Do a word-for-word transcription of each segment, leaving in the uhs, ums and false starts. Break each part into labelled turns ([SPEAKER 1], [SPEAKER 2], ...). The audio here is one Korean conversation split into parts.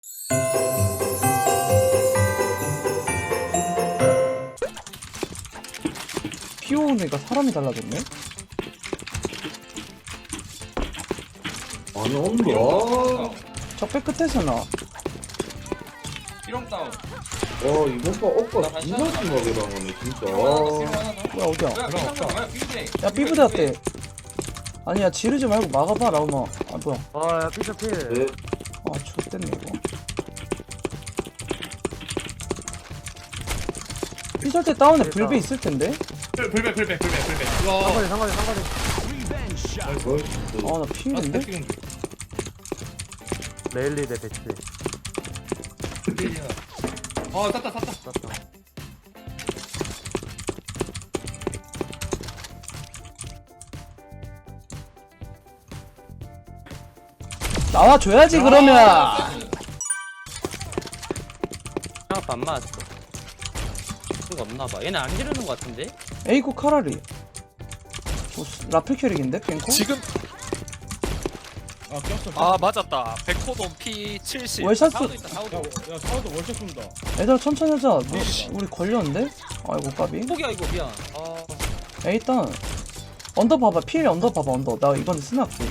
[SPEAKER 1] 피오네가 사람이 달라졌네?
[SPEAKER 2] 아니 온다.
[SPEAKER 1] 적배 끝에서 나.
[SPEAKER 3] 삐롱 다운.
[SPEAKER 2] 와 이번 거 오빠 진짜 심하게 당하네 진짜.
[SPEAKER 3] 삐롱 하나 더, 삐롱 하나 더.
[SPEAKER 1] 뭐야 어디야?
[SPEAKER 3] 뭐야, 삐롱 뭐야, 삐부대.
[SPEAKER 1] 야 삐부대 왔대. 아니야 지르지 말고 막아봐 라우마. 아 뭐야?
[SPEAKER 4] 아야 피셔 필.
[SPEAKER 2] 네.
[SPEAKER 1] 아 X됐네 이거. 피셜 때 다운에 불배 있을 텐데?
[SPEAKER 3] 불배, 불배, 불배, 불배.
[SPEAKER 4] 상거리 상거리 상거리.
[SPEAKER 2] 나이스.
[SPEAKER 1] 아 나 피인데?
[SPEAKER 4] 레일리 대 배치.
[SPEAKER 3] 어, 쐈다, 쐈다.
[SPEAKER 4] 땄다.
[SPEAKER 1] 나와줘야지 그러면.
[SPEAKER 5] 생각도 안 맞았어. 이거 없나봐. 얘네 안 지르는 거 같은데?
[SPEAKER 1] 에이코 카라리. 뭐, 라플 캐릭인데 뱅코?
[SPEAKER 6] 지금
[SPEAKER 3] 아, 꼈어.
[SPEAKER 6] 아 맞았다. 백호돔 피 칠십.
[SPEAKER 1] 월샷
[SPEAKER 5] 사우도
[SPEAKER 1] 쏘.
[SPEAKER 5] 있다, 사우도.
[SPEAKER 3] 야, 야, 사우도 월샷 쏜다.
[SPEAKER 1] 얘들아 천천히 하자. 너, 우리 걸렸는데? 아이고 까비.
[SPEAKER 5] 포기야 이거 미안. 아,
[SPEAKER 1] 야 일단 언더 봐봐. 피엘 언더 봐봐 언더. 나 이번에 스나할게.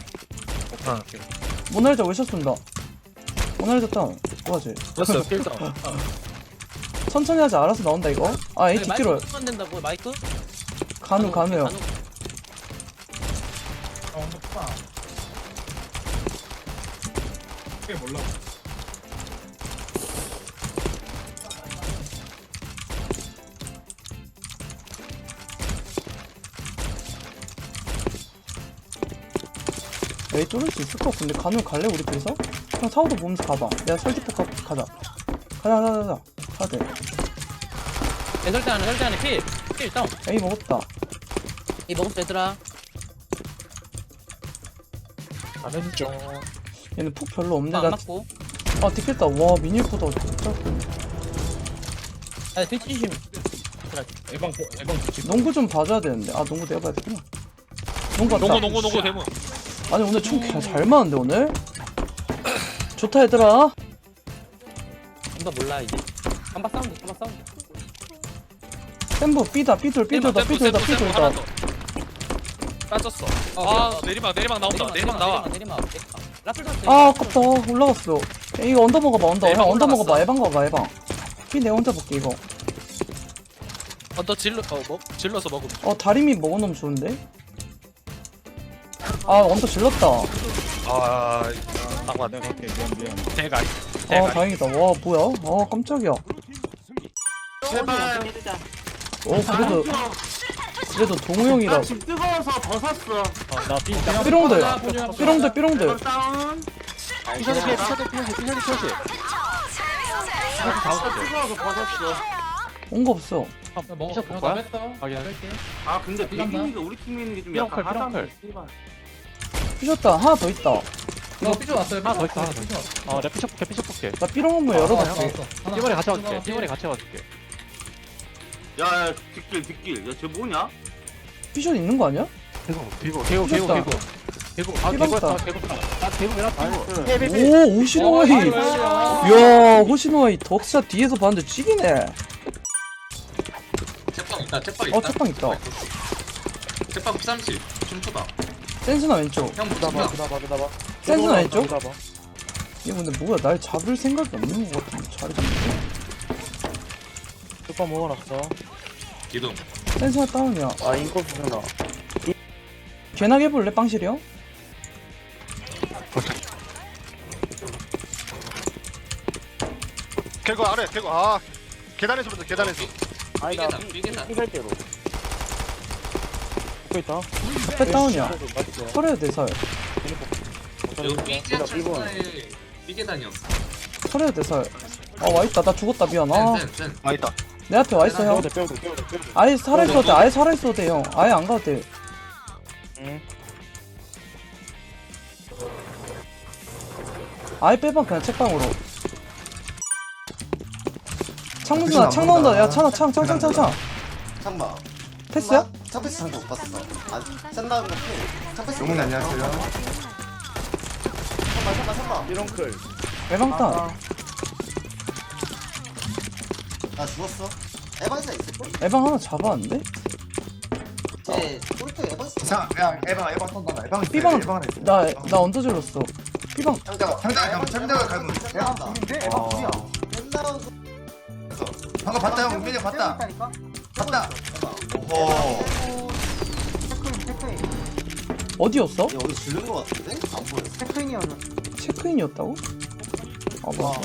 [SPEAKER 1] 모나리자 월샷 쏜다. 모나리자 다운. 뭐하지?
[SPEAKER 6] 됐어. 필터.
[SPEAKER 1] 천천히 하자. 알아서 나온다 이거. 아 에이
[SPEAKER 5] 마이크
[SPEAKER 1] 뒷뒤로
[SPEAKER 5] 안 된다고 마이크?
[SPEAKER 1] 간우 간우요.
[SPEAKER 5] 간우.
[SPEAKER 3] 아, 언더 파. 그게 몰라.
[SPEAKER 1] 에이 뚫을 수 있을 것 같은데 간우 갈래 우리 둘이서? 그냥 사우도 보면서 가봐. 내가 설득폭 가, 가자. 가자 가자 가자. 가야 돼.
[SPEAKER 5] 내 설대 안에 설대 안에 필. 필 다운.
[SPEAKER 1] 에이 먹었다.
[SPEAKER 5] 이 먹었어 얘들아.
[SPEAKER 6] 안 해주죠.
[SPEAKER 1] 얘는 푹 별로 없는데
[SPEAKER 5] 안
[SPEAKER 1] 나.
[SPEAKER 5] 맞고.
[SPEAKER 1] 아 뒷겠다. 와 미니보다 짧고.
[SPEAKER 5] 아 뒤치 조심.
[SPEAKER 3] 에방, 에방 뒤치.
[SPEAKER 1] 농구 좀 봐줘야 되는데. 아 농구 내가 봐야 되구나. 농구 왔다.
[SPEAKER 6] 농구 농구 농구 대문.
[SPEAKER 1] 아니 오늘 총 그냥 잘 맞는데 오늘? 좋다 얘들아.
[SPEAKER 5] 뭔가 몰라 이제. 한바 사운드 한바 사운드.
[SPEAKER 1] 샘부 삐다 삐돌 삐돌다 삐돌다 삐돌다.
[SPEAKER 6] 빠졌어.
[SPEAKER 5] 어,
[SPEAKER 6] 아
[SPEAKER 5] 어,
[SPEAKER 6] 내리막 내리막 나온다. 내리막 나와.
[SPEAKER 5] 내리막 내리막. 라플 샀어.
[SPEAKER 1] 아 아깝다 올라갔어. 야, 이거 언더 먹어봐 언더.
[SPEAKER 6] 에방
[SPEAKER 1] 형 언더
[SPEAKER 6] 올라갔어.
[SPEAKER 1] 먹어봐 에방 가봐 에방. 피 내가 혼자 볼게 이거.
[SPEAKER 6] 언더 질러 어뭐 질러서 먹으면.
[SPEAKER 1] 어 다리미 먹어놓으면 좋은데? 아 언더 질렀다.
[SPEAKER 6] 아 딱 맞네.
[SPEAKER 3] 내가 갈게. 미안, 미안.
[SPEAKER 6] 대가리.
[SPEAKER 1] 아
[SPEAKER 6] 대가리.
[SPEAKER 1] 다행이다. 와 뭐야? 아 깜짝이야.
[SPEAKER 4] 제발.
[SPEAKER 1] 어 그래도 그래도 동우 형이라.
[SPEAKER 4] 집 뜨거워서 벗었어.
[SPEAKER 6] 나 삐.
[SPEAKER 1] 삐롱들 삐롱들 삐롱들.
[SPEAKER 4] 다운.
[SPEAKER 6] 피셔도 피해. 피셔도 피해. 피셔도 피해.
[SPEAKER 4] 뜨거워서 벗었어.
[SPEAKER 1] 온 거 없어.
[SPEAKER 6] 먹었어. 나 뺐다.
[SPEAKER 4] 아 근데 비기니가 우리 팀에 있는 게 좀 약간
[SPEAKER 6] 삐렁클,
[SPEAKER 4] 하단.
[SPEAKER 1] 삐졌다 하나 더 있다.
[SPEAKER 3] 너 삐져 왔어요.
[SPEAKER 6] 하나 더 있어. 하나 더 있어. 어, 내가 피셔 볼게. 피셔 볼게.
[SPEAKER 1] 나 삐롱 한번 열어볼게.
[SPEAKER 6] 띠머리 같이 와줄게. 띠머리 같이 와줄게.
[SPEAKER 4] 야야 뒷길 뒷길. 야쟤 뭐냐?
[SPEAKER 1] 삐션 있는 거 아니야?
[SPEAKER 6] 개구 개구 개구 개구 개구. 개구 아
[SPEAKER 1] 피방다.
[SPEAKER 6] 개구 개구. 나 개구이라 피고.
[SPEAKER 1] 오 호시노아이. 이야 호시노아이 덕샷 뒤에서 봤는데 찌기네.
[SPEAKER 7] 책방 있다 책방 있다
[SPEAKER 1] 어 책방 있다.
[SPEAKER 7] 책방 삼십 춤추다
[SPEAKER 1] 센스나 왼쪽.
[SPEAKER 7] 형
[SPEAKER 6] 그다봐
[SPEAKER 7] 춤추다
[SPEAKER 6] 그다봐 그다봐.
[SPEAKER 1] 센스나 왼쪽.
[SPEAKER 6] 그다봐.
[SPEAKER 1] 얘 근데 뭐야 날 잡을 생각이 없는 것 같은데 자리 잡는데.
[SPEAKER 6] 오빠 먹어놨어.
[SPEAKER 7] 기둥
[SPEAKER 1] 센스나 다운이야.
[SPEAKER 4] 아 인코 주잖아.
[SPEAKER 1] 개나게 해볼래 빵실이 형?
[SPEAKER 8] 개구 아래 개구 아 계단에서 먼저 계단에서
[SPEAKER 7] 삐개다 삐개다
[SPEAKER 4] 삐갈대로.
[SPEAKER 6] 먹고 있다.
[SPEAKER 1] 배 다운이야. 설해야 돼 설.
[SPEAKER 7] 여기 삐개 철사에 삐개단이었어
[SPEAKER 1] 설해야 돼 설. 아 와있다 나 죽었다 미안. 아
[SPEAKER 7] 센센센
[SPEAKER 8] 아 있다
[SPEAKER 1] 내 앞에 와있어 형.
[SPEAKER 6] 빼도 빼도 빼도 빼도.
[SPEAKER 1] 아예 살아있어도 돼 아예 살아있어도 돼 형. 아예 안 가도 돼.
[SPEAKER 6] 응.
[SPEAKER 1] 아예 빼봐 그냥 책방으로. 창문 누나 창 나온다. 야 창아 창 창 창 창창.
[SPEAKER 9] 창마
[SPEAKER 1] 패스야?
[SPEAKER 9] 창패스 창도 못 봤어. 아, 센다는 거 필. 창패스.
[SPEAKER 8] 용훈 안녕하세요
[SPEAKER 9] 창마 창마 창마.
[SPEAKER 4] 삐렁클.
[SPEAKER 1] 에방탄.
[SPEAKER 9] 나 죽었어. 에반스 있을걸?
[SPEAKER 1] 에방 하나 잡았는데?
[SPEAKER 9] 쟤 꼴등 에반스.
[SPEAKER 10] 이상 야 에방 에방 쏜다 에방 있어
[SPEAKER 1] 삐방
[SPEAKER 10] 에방 하나 있어
[SPEAKER 1] 나 나 언더 질렀어. 삐방
[SPEAKER 9] 상자가
[SPEAKER 10] 상자가 가면 상자가 가면
[SPEAKER 9] 에방 둘인데? 에방 둘이야. 맨날
[SPEAKER 10] 방금 봤다 형 은민이 봤다 봤다 오호
[SPEAKER 1] 어디였어?
[SPEAKER 9] 야 어디 질른 거 같은데? 안 보여.
[SPEAKER 1] 체크인이었다고? 아 뭐야.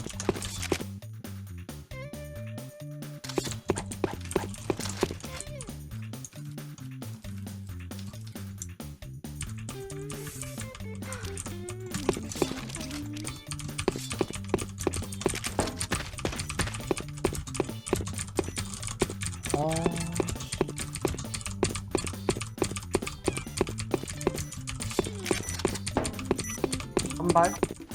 [SPEAKER 1] 아.
[SPEAKER 9] 한발.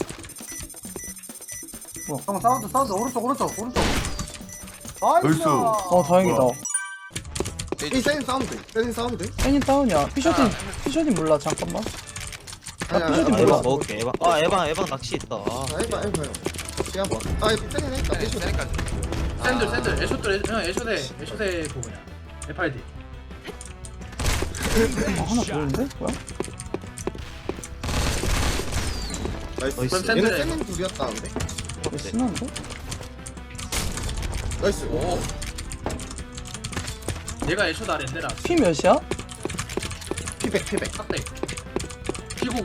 [SPEAKER 1] 뭐야?
[SPEAKER 9] 형 사운드 사운드 오른쪽 오른쪽 오른쪽.
[SPEAKER 10] 얼쑤
[SPEAKER 1] 어 다행이다.
[SPEAKER 10] 이 센 사운드 센 사운드
[SPEAKER 1] 애니 다운이야. 피셔딘 피셔딘 몰라 잠깐만. 나 피셔딘 몰라.
[SPEAKER 5] 먹을게 에방 아 에방 에방 낚시 있다 아.
[SPEAKER 10] 해봐 해봐 형 시간 봐아 센이 했다 애쇼
[SPEAKER 3] 샌들 샌들 애쇼들 형 애쇼대 애쇼대 그거냐 에프알디
[SPEAKER 1] 아, 하나 보이는데? 뭐야?
[SPEAKER 10] 나이스
[SPEAKER 3] 그럼
[SPEAKER 10] 얘는
[SPEAKER 3] 샌들에
[SPEAKER 10] 센은 둘이었다 근데
[SPEAKER 1] 왜 신한데?
[SPEAKER 10] 나이스
[SPEAKER 3] 오 내가 애쇼다 랜데라
[SPEAKER 1] 피 몇이야?
[SPEAKER 10] 피백 피백
[SPEAKER 3] 삭대 피구공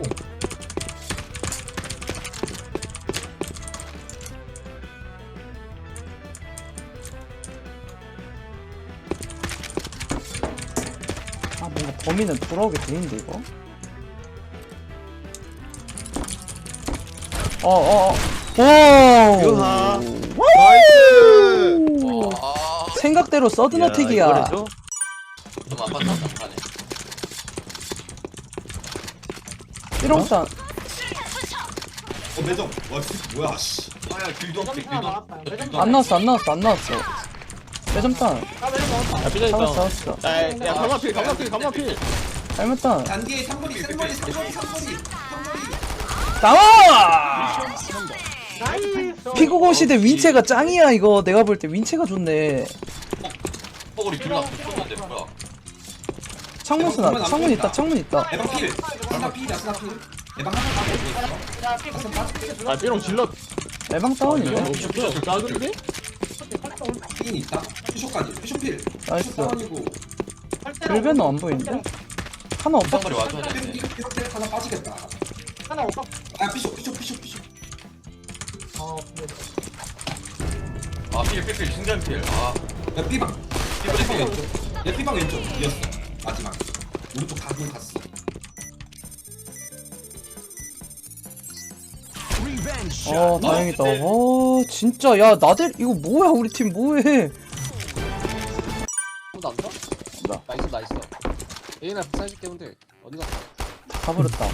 [SPEAKER 1] 아 뭔가 범인은 돌아오게 돼있는데 이거? 어어어 오!
[SPEAKER 5] 유하.
[SPEAKER 1] 와우! 생각대로 서든어택이야.
[SPEAKER 7] 너무 아팠다 장판에.
[SPEAKER 1] 삐롱산
[SPEAKER 2] 어 매점 와 진짜 뭐야 씨 아야 길도 없게 길도 없게
[SPEAKER 1] 안 나왔어 안 나왔어 안 나왔어. 매점탄
[SPEAKER 5] 야 삐져
[SPEAKER 1] 잡았어
[SPEAKER 5] 있다
[SPEAKER 1] 잡았어.
[SPEAKER 5] 야야 감마필 감마필 감마필
[SPEAKER 1] 잘못탄
[SPEAKER 2] 단기에 삼거리 삼거리 삼거리 삼거리
[SPEAKER 1] 나와! 피구공 시대 윈체가 짱이야 이거. 내가 볼 때 윈체가 좋네.
[SPEAKER 7] 뽀글이 길나 쏘는데 뭐야?
[SPEAKER 1] 창문 쓰나? 창문 있다 창문 있다.
[SPEAKER 2] 에방 필 스나 필이야 스나 필 에방 하나 더
[SPEAKER 5] 아 삐롱 질러
[SPEAKER 1] 에방 다운인데?
[SPEAKER 5] 작은데?
[SPEAKER 2] 필 있다 피쇼까지 피쇼 필
[SPEAKER 1] 나이스.
[SPEAKER 2] 피쇼 다운이고
[SPEAKER 1] 불변은 안 보이는데? 하나 없어?
[SPEAKER 7] 상거리 와줘야 되는데.
[SPEAKER 2] 피쇼 피쇼 필 하나 빠지겠다 하나 없어 아 피쇼 피쇼 피쇼 피쇼
[SPEAKER 7] 아 필 필 필 신전 필. 아
[SPEAKER 2] 야 삐방 삐방 왼쪽 야 삐방 왼쪽 이었어 마지막 오른쪽 각을 갔어
[SPEAKER 1] 어 다행이다. 어 진짜 야 나들 이거 뭐야 우리 팀 뭐해?
[SPEAKER 6] 아무도 안 써?
[SPEAKER 1] 나.
[SPEAKER 6] 나 있어 나 있어 A나 부사해줄게 근데 어디 갔어?
[SPEAKER 1] 다 버렸다.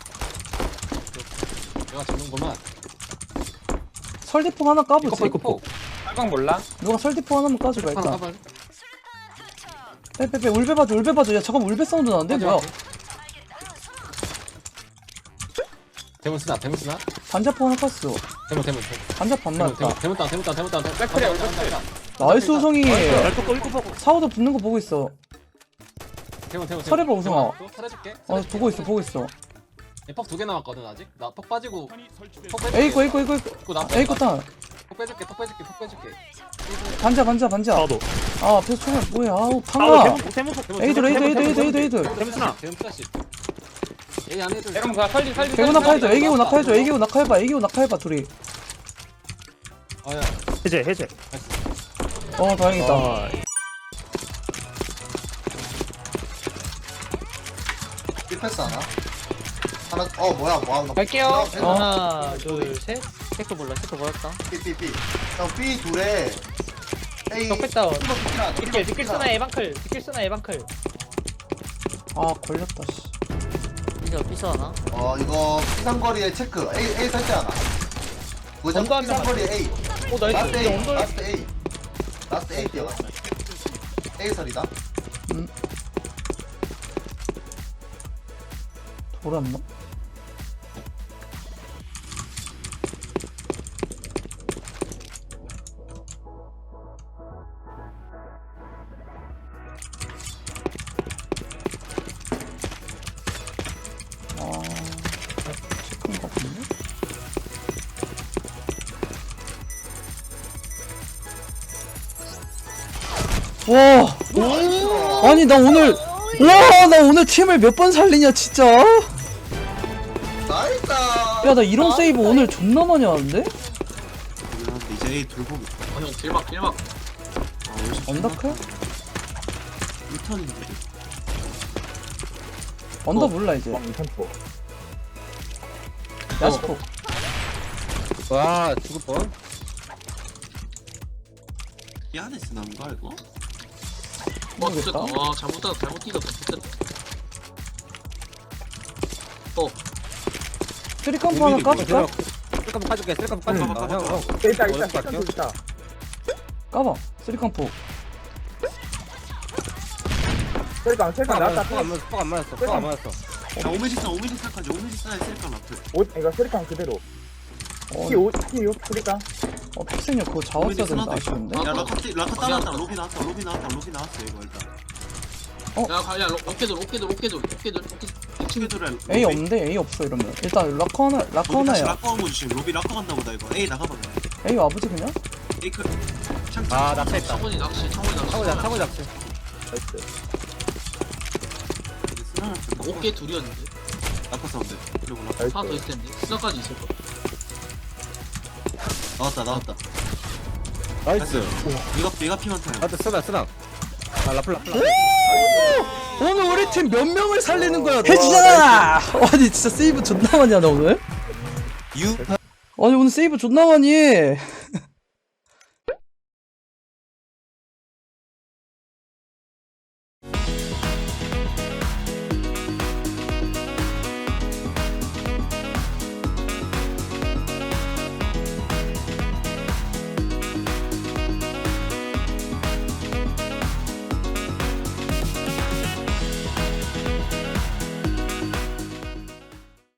[SPEAKER 6] 내가 잡는구만
[SPEAKER 1] 설디폭 하나 까보지.
[SPEAKER 6] 이거
[SPEAKER 5] 빨강 몰라?
[SPEAKER 1] 누가 설디폭 하나만 까줘봐
[SPEAKER 6] 하나
[SPEAKER 1] 일단.
[SPEAKER 6] 까봐
[SPEAKER 1] 빼빼빼 울베 봐줘 울베 봐줘. 야 잠깐 울베 사운드 나는데 뭐야?
[SPEAKER 6] 대문스나 대문스나
[SPEAKER 1] 반자폭 하나 깠어.
[SPEAKER 6] 대문 대문
[SPEAKER 1] 반자폭 안
[SPEAKER 6] 대문
[SPEAKER 1] 맞았다.
[SPEAKER 6] 대문 대문 땅 대문 땅 대문 땅 백플이야 우리 백플이야
[SPEAKER 1] 나이스 우성이.
[SPEAKER 5] 랄토 일곱 보고
[SPEAKER 1] 사우도 붙는 거 보고 있어.
[SPEAKER 6] 대문 대문
[SPEAKER 1] 설해봐, 우성아.
[SPEAKER 6] 설해줄게
[SPEAKER 1] 어 보고 있어 보고 있어.
[SPEAKER 6] 퍽 두 개 남았거든 아직 나 퍽 빠지고 퍽 빼줄게
[SPEAKER 1] 에이코 에이코 에이코 에이코.
[SPEAKER 6] 그거 나
[SPEAKER 1] 에이코 탄.
[SPEAKER 6] 퍽 빼줄게 퍽 빼줄게 퍽 빼줄게
[SPEAKER 1] 반자 반자 반자.
[SPEAKER 5] 나도
[SPEAKER 1] 아 앞에서 총알 뭐야? 아우
[SPEAKER 5] 나도
[SPEAKER 1] 팡아.
[SPEAKER 5] 대문 대문
[SPEAKER 6] 대문,
[SPEAKER 1] 에이들
[SPEAKER 6] 대문,
[SPEAKER 1] 에이들
[SPEAKER 6] 대문,
[SPEAKER 1] 에이들 에이들
[SPEAKER 6] 대문,
[SPEAKER 1] 에이들.
[SPEAKER 5] 대문스나
[SPEAKER 6] 대문 플러시 A 안 해도
[SPEAKER 5] 에방 가 살리 살리
[SPEAKER 1] 개구 낙하해줘. 애기고 낙하해줘. 애기고 낙하해봐. 애기고 낙하해봐 둘이.
[SPEAKER 6] 아야
[SPEAKER 5] 해제 해제
[SPEAKER 1] 어 다행이다.
[SPEAKER 5] 아
[SPEAKER 9] 삐패스 하나. 하나 어 뭐야 뭐야 너.
[SPEAKER 5] 갈게요
[SPEAKER 1] 어.
[SPEAKER 5] 하나 둘셋 체크 몰라 체크 몰랐다
[SPEAKER 9] 삐삐삐. 형 B 둘에 A.
[SPEAKER 5] 덕백 다운
[SPEAKER 9] 이거 B나, 이거
[SPEAKER 5] 디킬 디킬
[SPEAKER 9] B나.
[SPEAKER 5] 쓰나 에방클 디킬 쓰나 에방클
[SPEAKER 1] 아 걸렸다 씨.
[SPEAKER 5] 삐져 삐져 하나
[SPEAKER 9] 어 이거 피상거리에 체크. A A 설때 하나. 무전
[SPEAKER 5] 언더 한 명.
[SPEAKER 9] 피상거리에 A.
[SPEAKER 5] 오 나이스
[SPEAKER 9] 라스트
[SPEAKER 5] 이제
[SPEAKER 9] A.
[SPEAKER 5] 언더
[SPEAKER 9] 라스트 A. 라스트 A 뛰어갔어. A 설이다.
[SPEAKER 1] 돌았나? 와 아니 나 오늘 와 나 오늘 팀을 몇 번 살리냐 진짜.
[SPEAKER 9] 나이스.
[SPEAKER 1] 야 나 이런 세이브 오늘 존나 많이 하는데?
[SPEAKER 7] 이제 A 돌보기.
[SPEAKER 3] 어형 길막 길막.
[SPEAKER 1] 언더클?
[SPEAKER 7] 유턴인데.
[SPEAKER 1] 언더 몰라 이제. 야스포.
[SPEAKER 5] 와 죽을 뻔.
[SPEAKER 7] 이 안에 쓰는 거야 이거?
[SPEAKER 3] 와
[SPEAKER 1] 모르겠다.
[SPEAKER 3] 됐다. 와 잘못 다 잘못 뛰었다. 됐다. 어
[SPEAKER 1] 쓰리컴프 하나 까줄까?
[SPEAKER 5] 쓸까 까줄게. 쓸까 까줄게.
[SPEAKER 7] 까봐, 까봐,
[SPEAKER 5] 형 형.
[SPEAKER 4] 일단
[SPEAKER 5] 어렵다,
[SPEAKER 4] 일단
[SPEAKER 5] 할게요.
[SPEAKER 4] 일단
[SPEAKER 1] 까봐 쓰리컴프.
[SPEAKER 4] 셀강 셀강 나왔다.
[SPEAKER 5] 안 맞았어. 안 맞았어. 안 맞았어.
[SPEAKER 7] 야 오메지스나 오메지스나까지 오메지스나에 쓸까 라플.
[SPEAKER 4] 오 이거 셀강 그대로.
[SPEAKER 1] 어,
[SPEAKER 4] 티 오 티 육 셀강.
[SPEAKER 1] 어 픽생이 그거 잡았어야 되는데 아쉬운데?
[SPEAKER 7] 야 라카 띠- 라카 따놨다 로비 나왔다 로비 나왔다 로비 나왔어 이거 일단.
[SPEAKER 3] 야, 가, 야, 로- 로켓도, 로켓도, 로켓도, 로켓도, 로켓.
[SPEAKER 7] 친구들은
[SPEAKER 1] A 없는데? A 없어 이러면 일단 락커 하나 락커 하나야.
[SPEAKER 7] 라카 한번 주심 로비 라카 간다 보다 이거. A 나가봐 그냥.
[SPEAKER 1] A 와보지 그냥?
[SPEAKER 7] A 크. 창.
[SPEAKER 5] 아 낙차했다.
[SPEAKER 3] 창문이 낚시, 창문이 낚시.
[SPEAKER 5] 차고 잡 차고 잡지.
[SPEAKER 7] 스나나
[SPEAKER 3] 어깨 둘이었는데.
[SPEAKER 7] 라카 사운드. 그리고 라카
[SPEAKER 3] 하나 더 있을 텐데. 스나까지 있을 거.
[SPEAKER 7] 나왔다 나왔다.
[SPEAKER 5] 나이스.
[SPEAKER 7] 이거 내가 피만 타요.
[SPEAKER 5] 나도 쓰나 쓰나. 아 라플 라플.
[SPEAKER 1] 오늘 우리 팀 몇 명을 살리는 거야? 해지잖아! 아니 진짜 세이브 존나 많이 하나 오늘?
[SPEAKER 7] 유.
[SPEAKER 1] 아니 오늘 세이브 존나 많이 해.